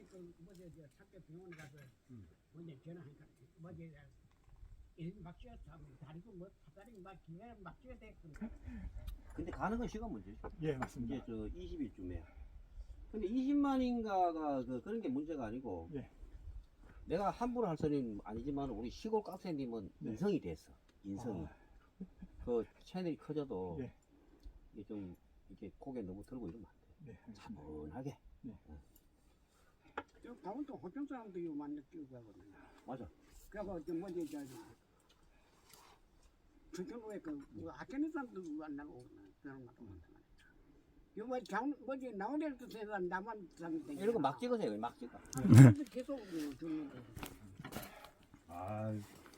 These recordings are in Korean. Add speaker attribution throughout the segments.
Speaker 1: 뭐저 학교 병원 가서 먼저 전화하니까 뭐저 막 쥐었다 다리도 뭐 다리 막 기가 막 쥐어야 됐거든.
Speaker 2: 근데 가는 건 시간 문제죠.
Speaker 3: 예, 맞습니다.
Speaker 2: 이제 저 20일쯤에. 근데 20만인가가 그런 게 문제가 아니고.
Speaker 3: 예.
Speaker 2: 내가 함부로 할 소리는 아니지만 우리 시골 깍새님은
Speaker 3: 네.
Speaker 2: 인성이 됐어. 인성이. 그 채널이 커져도
Speaker 3: 예.
Speaker 2: 이게 좀 이렇게 고개 너무 들고 이러면 안 돼.
Speaker 3: 네.
Speaker 2: 차분하게.
Speaker 1: 저 강원도 호평 사람도 요 많이 끼고 가거든요.
Speaker 2: 맞아.
Speaker 1: 그래서 저 뭐지 저 전천후에 그 아테네 사람도 안 나오거든요. 그런 것도 많다. 요뭐 장 뭐지 나오는 데서 남한 사람들
Speaker 2: 이런 거 막 찍으세요. 막 찍어.
Speaker 1: 계속 주는 거.
Speaker 2: 아.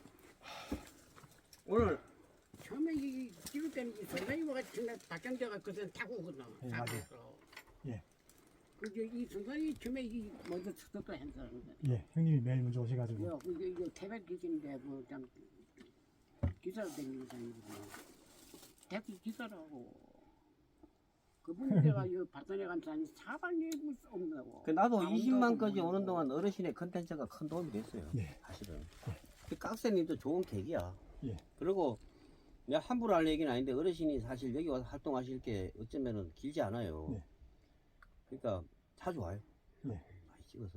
Speaker 2: 오늘
Speaker 1: 처음에 이 찍을 때는 이 선생님과 같이 박경재가 그때 타고 오거든.
Speaker 3: 예, 맞아요. 예.
Speaker 1: 그게 이 선생님이 처음에 이 먼저 çıx었다 했어.
Speaker 3: 예, 형님이 매일 먼저 오셔가지고.
Speaker 1: 요 이게 태백 기지인데 뭐참 기사로 다니는 사람이거든. 택시 기사라고. 그분들가 이 발전해 간 사람이 사발이 없다고.
Speaker 2: 그 나도 20만까지 오는 동안 어르신의 컨텐츠가 큰 도움이 됐어요.
Speaker 3: 예.
Speaker 2: 사실은. 그 깍새님도 좋은 계기야.
Speaker 3: 예.
Speaker 2: 그리고 내가 함부로 할 얘기는 아닌데 어르신이 사실 여기 와서 활동하실 게 어쩌면은 길지 않아요.
Speaker 3: 네.
Speaker 2: 그러니까 자주 와요.
Speaker 3: 예.
Speaker 2: 많이 찍어서.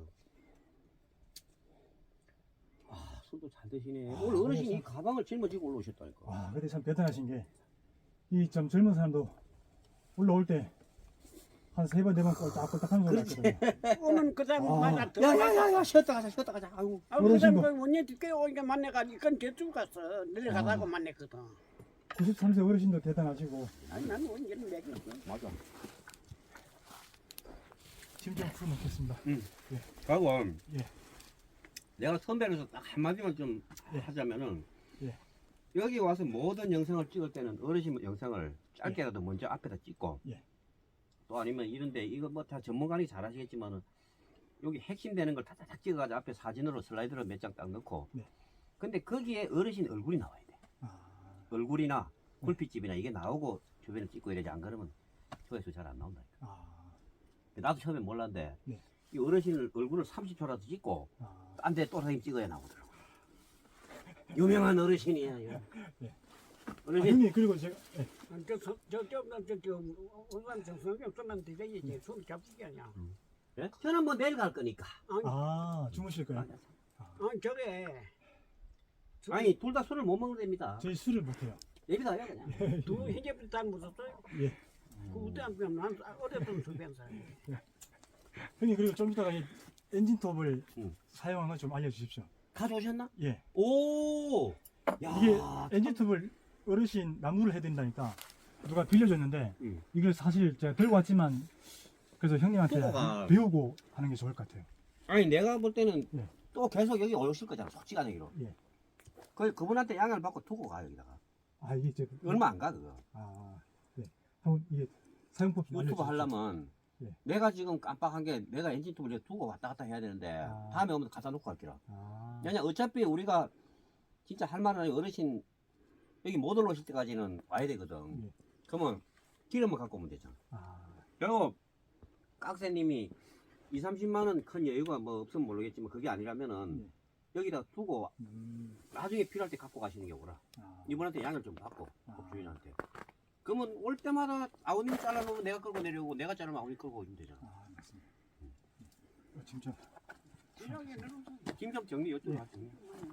Speaker 2: 아, 술도 잘 드시네.
Speaker 3: 아,
Speaker 2: 오늘 어르신이
Speaker 3: 그래서-
Speaker 2: 이 가방을 짊어지고 올라오셨다니까.
Speaker 3: 와, 근데 참 대단하신 게, 이 좀 젊은 사람도 올라올 때, 한 3번, 4번 꼴딱꼴딱 하면서 올라왔거든요.
Speaker 1: 오면 그 사람
Speaker 3: 아.
Speaker 1: 만나
Speaker 2: 야야야야 쉬었다 가자 쉬었다 가자. 아이고.
Speaker 1: 아, 그
Speaker 3: 어르신
Speaker 1: 사람 원래 늦게 오니까 만나가지고 그건 대충 갔어. 내려가다가 만났거든.
Speaker 3: 93세 어르신도 대단하시고,
Speaker 1: 아니 나는 언제는 내겠어.
Speaker 2: 맞아.
Speaker 3: 짐 좀 풀어놓겠습니다.
Speaker 2: 가고
Speaker 3: 예.
Speaker 2: 내가 선배로서 딱 한마디만 좀
Speaker 3: 예.
Speaker 2: 하자면은
Speaker 3: 예.
Speaker 2: 여기 와서 모든 영상을 찍을 때는 어르신 영상을 짧게라도 먼저 앞에다 찍고
Speaker 3: 예.
Speaker 2: 또 아니면 이런데 이거 뭐 다 전문가니 잘 하시겠지만은 여기 핵심 되는 걸 타타닥 찍어가지고 앞에 사진으로 슬라이드로 몇 장 딱 넣고
Speaker 3: 네.
Speaker 2: 근데 거기에 어르신 얼굴이 나와야 돼.
Speaker 3: 아,
Speaker 2: 얼굴이나 굴빛집이나 이게 나오고 주변을 찍고 이러지 안 그러면 조회수 잘 안 나온다.
Speaker 3: 아,
Speaker 2: 나도 처음에 몰랐는데
Speaker 3: 네.
Speaker 2: 이 어르신 얼굴을 30초라도 찍고
Speaker 3: 아,
Speaker 2: 딴 데 또 사진 찍어야 나오더라고. 유명한 어르신이야.
Speaker 3: 예. 아,
Speaker 2: 어르신
Speaker 3: 형님, 그리고 제가, 예.
Speaker 1: 저저저저 의관 정성경 쓰면 되지. 손 잡히게 아니야.
Speaker 2: 예? 저는 뭐 내일 갈 거니까.
Speaker 3: 아, 주무실 거예요?
Speaker 1: 저게
Speaker 2: 아니 둘 다 술을 못 먹는답니다.
Speaker 3: 저희 술을 못해요.
Speaker 2: 예비다요 그냥.
Speaker 1: 두 현재부터 다 무섭어요.
Speaker 3: 예.
Speaker 1: 그 그때 안 그러면 난 어렸던 수변 사람.
Speaker 3: 형님, 그리고 좀 이따가 이 엔진톱을
Speaker 2: 응.
Speaker 3: 사용하는 걸 좀 알려주십시오.
Speaker 2: 가져오셨나?
Speaker 3: 예.
Speaker 2: 오. 야.
Speaker 3: 이게 엔진톱을 어르신 나무를 해야 된다니까 누가 빌려줬는데
Speaker 2: 응.
Speaker 3: 이걸 사실 제가 들고 왔지만 그래서 형님한테
Speaker 2: 두고 가.
Speaker 3: 배우고 하는 게 좋을 것 같아요.
Speaker 2: 아니 내가 볼 때는
Speaker 3: 예.
Speaker 2: 또 계속 여기 오실 거잖아. 솔직한 얘기로.
Speaker 3: 예.
Speaker 2: 그분한테 양해를 받고 두고 가 여기다가.
Speaker 3: 아, 이게 이제
Speaker 2: 얼마 안 가 그거.
Speaker 3: 아, 네. 한번 이게 사용법 좀
Speaker 2: 유튜브
Speaker 3: 알려주십시오.
Speaker 2: 하려면
Speaker 3: 예.
Speaker 2: 내가 지금 깜빡한 게 내가 엔진톱을 이제 두고 왔다 갔다 해야 되는데
Speaker 3: 아.
Speaker 2: 다음에 오면 갖다 놓고 갈게라.
Speaker 3: 아,
Speaker 2: 왜냐 어차피 우리가 진짜 할 만한 어르신 여기 못 올라오실 때까지는 와야 되거든.
Speaker 3: 예.
Speaker 2: 그러면 기름을 갖고 오면 되잖아.
Speaker 3: 아,
Speaker 2: 그리고 깍새님이 2, 30만 원 큰 여유가 뭐 없으면 모르겠지만 그게 아니라면은
Speaker 3: 예.
Speaker 2: 여기다 두고 나중에 필요할 때 갖고 가시는 경우라.
Speaker 3: 아,
Speaker 2: 이분한테 양을 좀 받고
Speaker 3: 아.
Speaker 2: 주인한테. 그러면 올 때마다 아우님 잘라놓으면 내가 끌고 내려오고 내가 자르면 아우님 끌고 오면 되잖아.
Speaker 3: 아, 맞습니다. 진짜
Speaker 2: 김 좀 정리 요쪽
Speaker 3: 예.
Speaker 2: 하시네.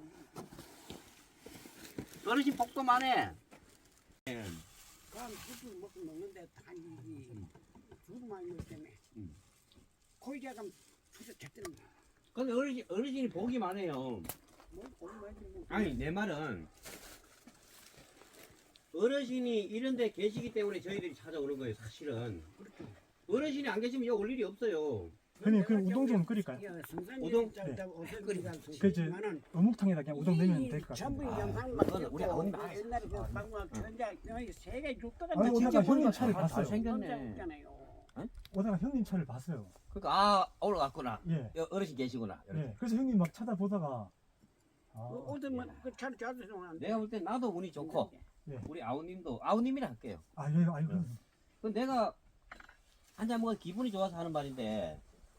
Speaker 2: 어르신 복도 많네.
Speaker 1: 그럼 술을 먹고 먹는데 단지 술 많이 먹기 때문에 코이자가 술을 제대로
Speaker 2: 근데 어르신이 복이 많아요.
Speaker 1: 뭐 얼마지 뭐.
Speaker 2: 아니 내 말은 어르신이 이런 데 계시기 때문에 저희들이 찾아오는 거예요 사실은. 어르신이 안 계시면 여기 올 일이 없어요.
Speaker 3: 형님, 그 우동 좀 끓일까요?
Speaker 2: 우동?
Speaker 3: 그 이제 어묵탕에다 그냥 우동 넣으면 될 것
Speaker 1: 전부
Speaker 3: 같아요.
Speaker 1: 영상 막
Speaker 2: 그거는 우리 아버님 다
Speaker 1: 옛날에 그 방금 전자 세계 죽다가
Speaker 3: 아니, 오다가 형님 차를
Speaker 2: 다
Speaker 3: 봤어요.
Speaker 2: 잘생겼네.
Speaker 3: 오다가 형님 차를 봤어요.
Speaker 2: 그러니까 아 올라갔구나.
Speaker 3: 예.
Speaker 2: 어르신 계시구나. 이렇게.
Speaker 3: 예. 그래서 형님 막 쳐다보다가
Speaker 1: 오더만 그 차를 잡아서 오는데
Speaker 2: 내가 볼 땐 나도 운이 좋고
Speaker 3: 예.
Speaker 2: 우리 아우님도 아우님이라 할게요.
Speaker 3: 아, 예, 아이고.
Speaker 2: 그 내가 한잔 먹어 기분이 좋아서 하는 말인데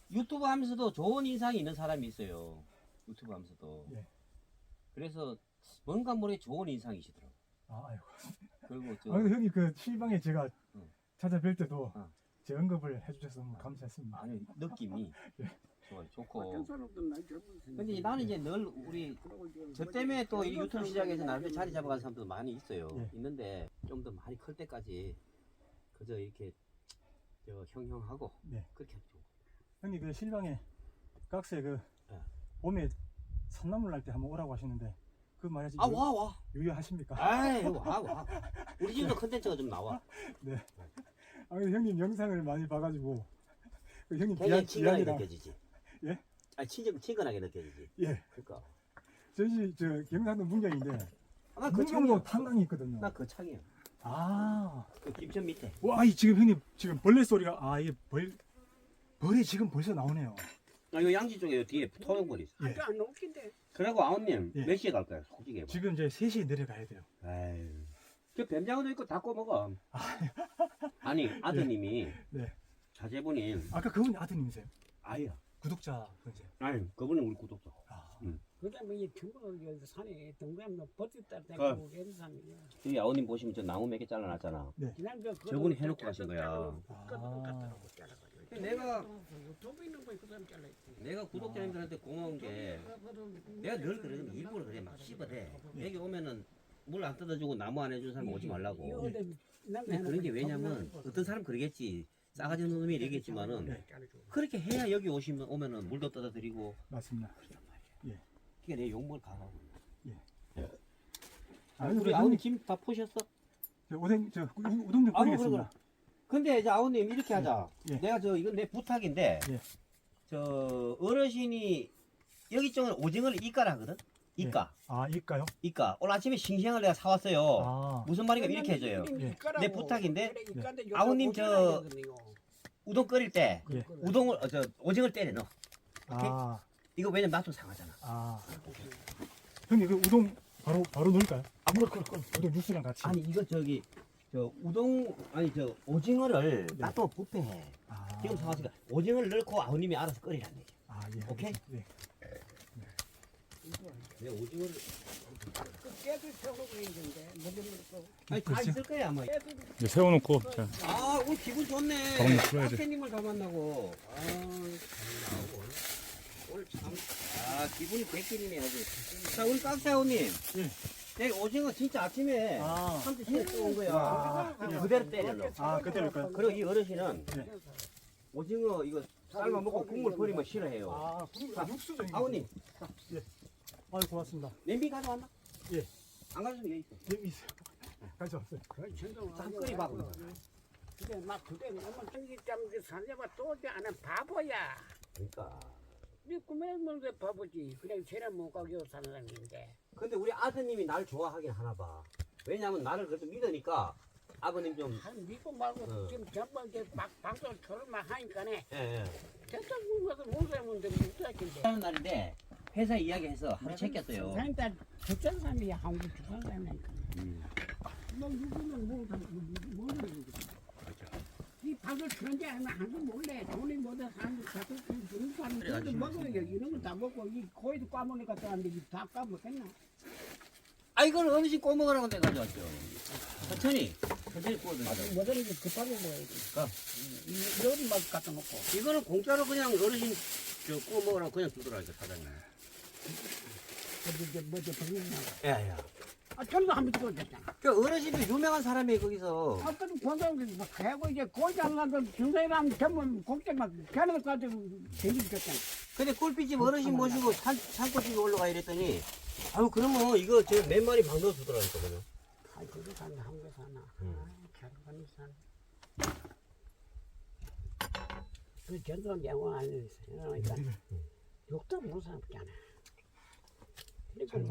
Speaker 2: 유튜브 하면서도 좋은 인상이 있는 사람이 있어요. 유튜브 하면서도.
Speaker 3: 예.
Speaker 2: 그래서 뭔가 모르게 좋은 인상이시더라고.
Speaker 3: 아, 아이고.
Speaker 2: 그리고 저
Speaker 3: 아, 근데 형님 그 실방에 제가
Speaker 2: 응.
Speaker 3: 찾아뵐 때도
Speaker 2: 응.
Speaker 3: 제 언급을 해주셔서 너무 감사했습니다.
Speaker 2: 아니 느낌이
Speaker 3: 예.
Speaker 2: 좋아요.
Speaker 1: 어떤
Speaker 2: 좋고.
Speaker 1: 사람도 날 젊은
Speaker 2: 근데 이제 나는 이제 늘 우리 저 때문에 또 이 유튜브 시장에서 나름대로 자리 잡아간 사람도 많이 있어요.
Speaker 3: 예.
Speaker 2: 있는데 좀 더 많이 클 때까지 그저 이렇게 저 형형하고
Speaker 3: 네.
Speaker 2: 그렇게 하면 좋고.
Speaker 3: 형님 그 실방에 깍새 그
Speaker 2: 예.
Speaker 3: 봄에 산나물 날 때 한번 오라고 하시는데 그 말이지
Speaker 2: 아 와.
Speaker 3: 유효하십니까?
Speaker 2: 아이 와. 우리 집도 컨텐츠가 좀 나와.
Speaker 3: 네. 아 근데 형님 영상을 많이 봐가지고 그 형님
Speaker 2: 굉장히 친근하게
Speaker 3: 비안이랑
Speaker 2: 느껴지지.
Speaker 3: 예?
Speaker 2: 아니 친근하게 느껴지지.
Speaker 3: 예.
Speaker 2: 그러니까.
Speaker 3: 저희 저 경상도 문경인데
Speaker 2: 아,
Speaker 3: 문경도 탄강이 있거든요.
Speaker 2: 나 거창이야.
Speaker 3: 아,
Speaker 2: 그 김천 밑에.
Speaker 3: 와, 이 지금 형님 지금 벌레 소리가 이게 벌이 지금 벌써 나오네요.
Speaker 2: 아 이거 양지 쪽에 뒤에 토종벌이 있어.
Speaker 3: 예.
Speaker 1: 아주 안 웃긴데.
Speaker 2: 그리고 아웃님
Speaker 3: 예.
Speaker 2: 몇 시에 갈 거야? 솔직히 해봐.
Speaker 3: 지금 이제 3시에 내려가야 돼요.
Speaker 2: 아유. 저 뱀장어도 있고 다 꺼먹어. 아니 아드님이
Speaker 3: 네.
Speaker 2: 자제분이
Speaker 3: 아까 그분이 아드님이세요?
Speaker 2: 아야.
Speaker 3: 구독자 분이세요?
Speaker 2: 아니 그분은 우리 구독자.
Speaker 3: 아,
Speaker 1: 그다음에 이 전부 여기 산에 동그라미 버티다
Speaker 2: 그-
Speaker 1: 대고 이런 사람이야.
Speaker 2: 여기 아우님 보시면 저 나무 몇 개 잘라놨잖아.
Speaker 1: 지난주
Speaker 2: 저분이 해놓고 가신 거야. 내가
Speaker 1: 유튜브 있는 거그 사람 잘라있지.
Speaker 2: 내가 구독자님들한테 고마운 게 내가 늘 그러면 일부러 그래 막 씹어대. 여기 오면은 물 안 뜯어주고 나무 안 해준 사람 오지 말라고. 근데 그런 게 왜냐면 어떤 사람 그러겠지. 싸가지 없는 놈이 얘기했지만은 그렇게 해야 여기 오면은 물도 떠다 드리고.
Speaker 3: 맞습니다.
Speaker 2: 그게 내 욕먹을 강하고.
Speaker 3: 아니,
Speaker 2: 우리 아우님 김 다 포셨어?
Speaker 3: 저 우동 좀
Speaker 2: 아우,
Speaker 3: 끓이겠습니다.
Speaker 2: 근데 이제 아우님 이렇게 하자.
Speaker 3: 예.
Speaker 2: 내가 이건 내 부탁인데
Speaker 3: 예.
Speaker 2: 저 어르신이 여기 쪽은 오징어를 이까라 하거든. 이까.
Speaker 3: 아, 이까요?
Speaker 2: 이까. 오늘 아침에 싱싱한 걸 내가 사왔어요.
Speaker 3: 아,
Speaker 2: 무슨 말인가 이렇게 해줘요.
Speaker 3: 예.
Speaker 2: 내 부탁인데
Speaker 1: 네.
Speaker 2: 아우님 우동 끓일 때
Speaker 3: 예.
Speaker 2: 우동을 오징어를 때려 넣어.
Speaker 3: 아,
Speaker 2: 이거 왜냐면 맛도 상하잖아.
Speaker 3: 아. 형님 그 우동 바로 넣을까요? 우동 육수랑 같이.
Speaker 2: 아니 이거 저 우동 아니 저 오징어를 놔두면 부패해.
Speaker 3: 아,
Speaker 2: 지금 사왔으니까 오징어를 넣고 아우님이 알아서 끓이란 얘기야.
Speaker 3: 아, 예.
Speaker 2: 오케이?
Speaker 3: 네.
Speaker 2: 내가 오징어를
Speaker 1: 깨도 세우고 있는데 뭐
Speaker 2: 아니 다 있을 거야 아마.
Speaker 3: 이제 세워놓고 자,
Speaker 2: 아 오늘 기분 좋네.
Speaker 3: 밥은 풀어야 돼.
Speaker 2: 학생님을 다 만나고. 오늘 참 기분이 백길이네 아주. 자 우리 깍사오님. 내 오징어 진짜 아침에
Speaker 3: 아,
Speaker 2: 한테 시켜 온 거야.
Speaker 3: 아,
Speaker 2: 그대로 때려 넣어.
Speaker 3: 아, 그대로일까요?
Speaker 2: 그리고 이 어르신은
Speaker 3: 네.
Speaker 2: 오징어 이거 삶아 먹고 국물 버리면 싫어해요.
Speaker 3: 아,
Speaker 2: 자,
Speaker 3: 육수죠. 이게.
Speaker 2: 아우님
Speaker 3: 아유, 고맙습니다.
Speaker 2: 냄비 가져왔나?
Speaker 3: 예.
Speaker 2: 안 가져오면 여기 있어.
Speaker 3: 여기 있어요. 가져왔어요.
Speaker 2: 참 끓여봐.
Speaker 1: 근데 막 그때 너무 전기짬 살려봐 또 안에 바보야.
Speaker 2: 그러니까.
Speaker 1: 네 꿈에 뭔데 바보지. 그냥 쟤는 못 가게 사는 사람인데.
Speaker 2: 근데 우리 아드님이 날 좋아하긴 하나 봐. 왜냐면 나를 그래도 믿으니까 아버님 좀
Speaker 1: 한 믿고 말고 지금 전부 이제 막 방송 결혼만 하니까네.
Speaker 2: 예.
Speaker 1: 대체 그것도 못 살면 못살겠는데.
Speaker 2: 하는 날인데 회사 이야기해서 하루 챙겼어요.
Speaker 1: 사람들 죽는 사람이 한국 죽는 사람이니까. 뭐 누구는 모르는 이 밥을 그런지 아니면 한국 몰래 돈이 뭐든 한국 가서 죽는 사람들 먹어요. 이런 거 다 먹고 이 고기도 까먹으니까 또 안 되지. 다 까먹겠나?
Speaker 2: 아 이건 어르신 꼬먹으라고 내가 가져왔죠. 천천히 구워도 맞아.
Speaker 1: 뭐든 이제 급하게 먹어야지. 요리 막 갖다 놓고.
Speaker 2: 이거는 공짜로 그냥 어르신 구워 먹으라고 그냥 주더라니까 사장님.
Speaker 1: 이제 뭐지 버리는 거.
Speaker 2: 야야.
Speaker 1: 저도 한번 찍어줬잖아.
Speaker 2: 그 어르신도 유명한 사람이 거기서.
Speaker 1: 아까도 권장을 막 해고 이제 고장 나서 중사람 전부 곡장 막 걔네들 가지고 대기줬잖아.
Speaker 2: 근데 꿀빛집 어르신 모시고 산골집에 올라가 이랬더니 아유 그러면 이거 저 몇 마리 방 넣어주더라니까 그냥.
Speaker 1: 아, 그거 사나 한개 사나. 결혼이 사나. 그 전도 영화 안 했어. 그러니까 욕도 못 사잖아. 그러니까